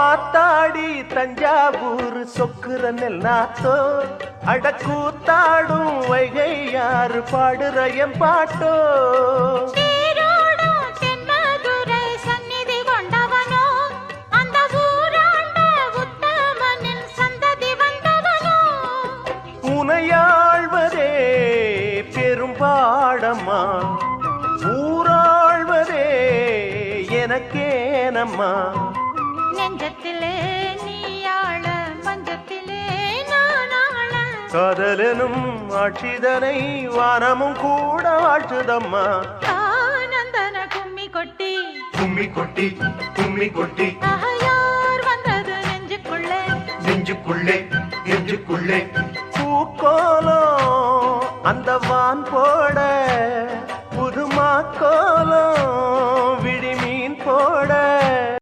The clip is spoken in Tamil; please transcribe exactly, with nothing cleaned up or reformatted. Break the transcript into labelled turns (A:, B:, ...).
A: ஆத்தாடி தஞ்சாவூர் சொக்குற நெல்லாத்தோ அடக்கூத்தாடும் வைகை யாரு பாடுற என் பாட்டோ உனையாழ்வதே பெரும்பாடம்மா ஊராழ்வதே எனக்கேனம்மா
B: நெஞ்சத்திலே நீயாள பஞ்சத்திலே நானாள
A: காதலனும் ஆட்சிதனை வானமும் கூட வாழ்த்துதம்மா
B: ஆனந்தன கும்மி கொட்டி
A: கும்மி கொட்டி கும்மி கொட்டி
B: யார் வந்தது நெஞ்சுக்குள்ளே
A: நெஞ்சுக்குள்ளே நெஞ்சுக்குள்ளே பூக்கோலம் அந்த வான் போட